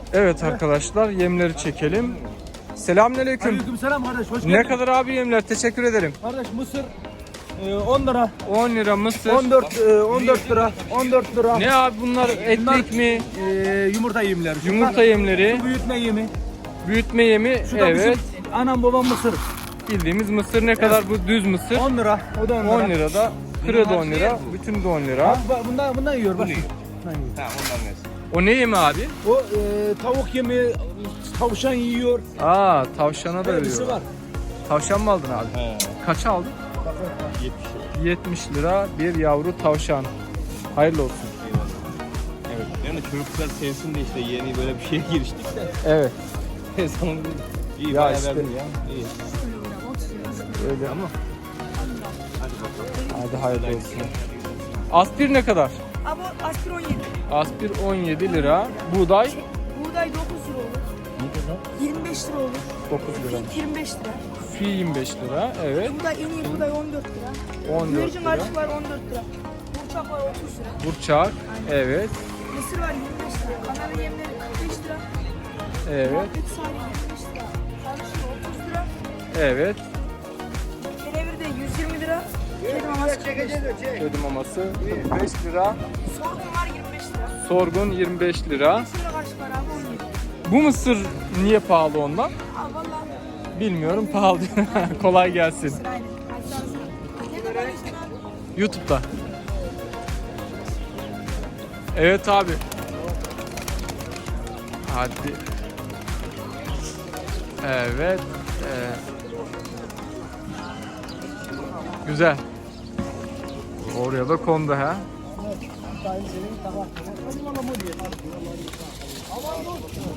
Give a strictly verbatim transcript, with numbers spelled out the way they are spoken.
Evet arkadaşlar, yemleri çekelim. Selamünaleyküm. Aleykümselam kardeş, hoş geldin. Ne kadar abi yemler? Teşekkür ederim. Kardeş mısır e, on lira. on lira mısır. on dört e, on dört lira. on dört lira. Ne abi bunlar, etlik mi? E, yumurta yemleri. Yumurta yemleri, Şu büyütme yemi. büyütme yemi. Şu da Evet. bizim anam babam mısır. Bildiğimiz mısır ne kadar bu düz mısır? on lira. O da on lira. on lira da. Kırı da on lira. Bütün de on lira. Bak, bak, bundan, bundan yiyor bak. Bundan yiyor. Tamam ondan versin. O ne yemi abi? O e, tavuk yemi, tavşan yiyor. Aa, tavşana da Hepsi veriyor. var. Tavşan mı aldın abi? He. Kaça aldın? yetmiş lira. yetmiş lira bir yavru tavşan. Hayırlı olsun. Eyvallah. Evet. Yani çocuklar sevsin de işte yeni böyle bir şeye giriştik de. Evet. Sonra iyi Ya bayağı işte. verdim ya. İyi. Öyle ama. Hadi hayırlı olsun. Aspir ne kadar? Ama aspir on yedi. Aspir on yedi lira. Buğday Buğday dokuz lira olur. yirmi beş lira olur. dokuz lira. Fink yirmi beş lira. Fi yirmi beş lira. Evet. Buğday en iyi buğday on dört lira. on dört Güvercin lira. karışık var on dört lira. Burçak var otuz lira. Burçak. Evet. Mısır var yirmi beş lira. Kanarya yemleri kırk beş lira. Evet. Muhabbet sahili yirmi beş lira. Karışık otuz lira. Evet. Kenevir de yüz yirmi lira. Kedi maması kırk beş lira. Ödüm maması kırk beş lira. Sorgun var yirmi beş lira. Sorgun yirmi beş lira. Mısırla karışık var abi on yedi. Bu mısır niye pahalı ondan? Aa vallahi. Bilmiyorum, pahalı. Kolay gelsin. Aynen. Hadi sağ olasın. Ne kadar işte abi? YouTube'da. Evet abi. Hadi. Evet. Ee, güzel. Oraya da kondu ha.